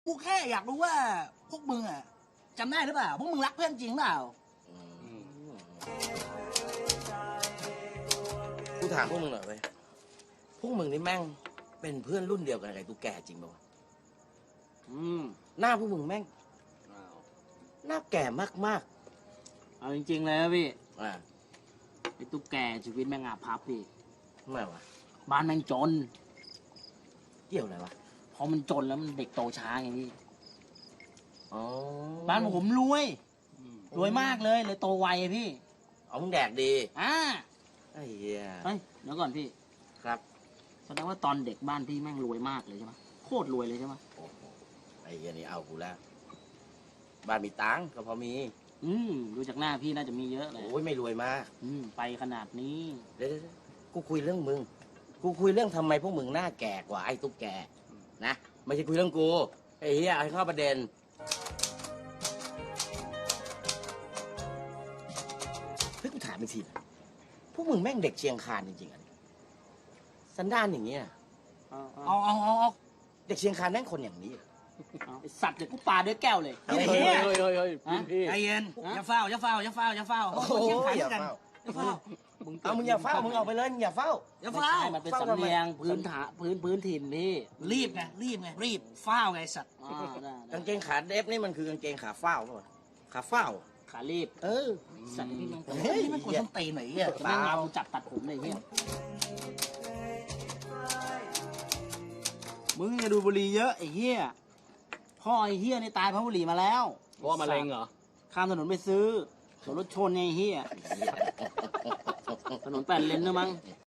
กูแค่อยากรู้ว่าพวกมึงอะจำได้หรือเปล่าพวกมึงรักเพื่อนจริงเปล่ากูถามพวกมึงหน่อยเว้ยพวกมึงนี่แม่งเป็นเพื่อนรุ่นเดียวกันกับไอ้ตุ๊กแกจริงป่าวะหน้าพวกมึงแม่งหน้าแก่มากเอาจริงๆเลยนะพี่ๆอ่าไอ้ตุ๊กแกชีวิตแม่งอาภัพพี่ทำไมวะบ้านแม่งจนเกี่ยวอะไรวะพอมันจนแล้วมันเด็กโตช้าไงพี่อ๋อบ้านผมรวยรวยมากเลยโตไวอะพี่เอามึงแดกดีอ่าไอ้เหี้ยเฮ้ยเดี๋ยวก่อนพี่ครับแสดงว่าตอนเด็กบ้านพี่แม่งรวยมากเลยใช่ไหมโคตรรวยเลยใช่ไหมโอ้โหไอ้เหี้ยนี่เอากูแล้วบ้านมีตังค์ก็พอมีดูจากหน้าพี่น่าจะมีเยอะเลยโอ้ยไม่รวยมากไปขนาดนี้เดี๋ยวกูคุยเรื่องมึง กูคุยเรื่องทำไมพวกมึงหน้าแก่กว่าไอ้ตุ๊กแกนะไม่ใช่คุยเรื่องกูไอ้เหี้ยเอาให้เข้าประเด็นเฮ้ยกูถามอีกทีนะพวกมึงแม่งเด็กเชียงคานจริงๆอ่ะสันดานอย่างเงี้ยเอาเอาเด็กเชียงคานแม่งคนอย่างนี้เหรอไอสัตว์เดี๋ยวกูปาด้วยแก้วเลยเฮ้ยเฮ้ยฮะใจเย็นอย่าเฝ้าอย่าเฝ้าอย่าเฝ้าอย่าเฝ้าโอ้โหเชียงคานอย่ากันเฝ้าอย่าเฝ้าเอามึงอย่าเฝ้ามึงเอาไปเลยมึงอย่าเฝ้าอย่าไม่เฝ้าใช่มันเป็นสำเนียงพื้นถิ่นพี่รีบไงรีบเฝ้าไงสัตว์ได้กางเกงขาเดฟนี่มันคือกางเกงขาเฝ้าป่ะขาเฝ้าขารีบเออสัตว์พี่แม่งเฮ้ยนี่มันกดส้นตีนหน่อยอ่ะแม่งเอาจับตัดผมเลยพี่มึงอย่าดูบุหรี่เยอะไอ้เหี้ยพ่อไอ้เหี้ยนี่ตายเพราะบุหรี่มาแล้วเพราะว่ามะเร็งเหรอข้ามถนนไปซื้อโดนรถชนไงไอ้เหี้ยถนน8 เลนนะมั้ง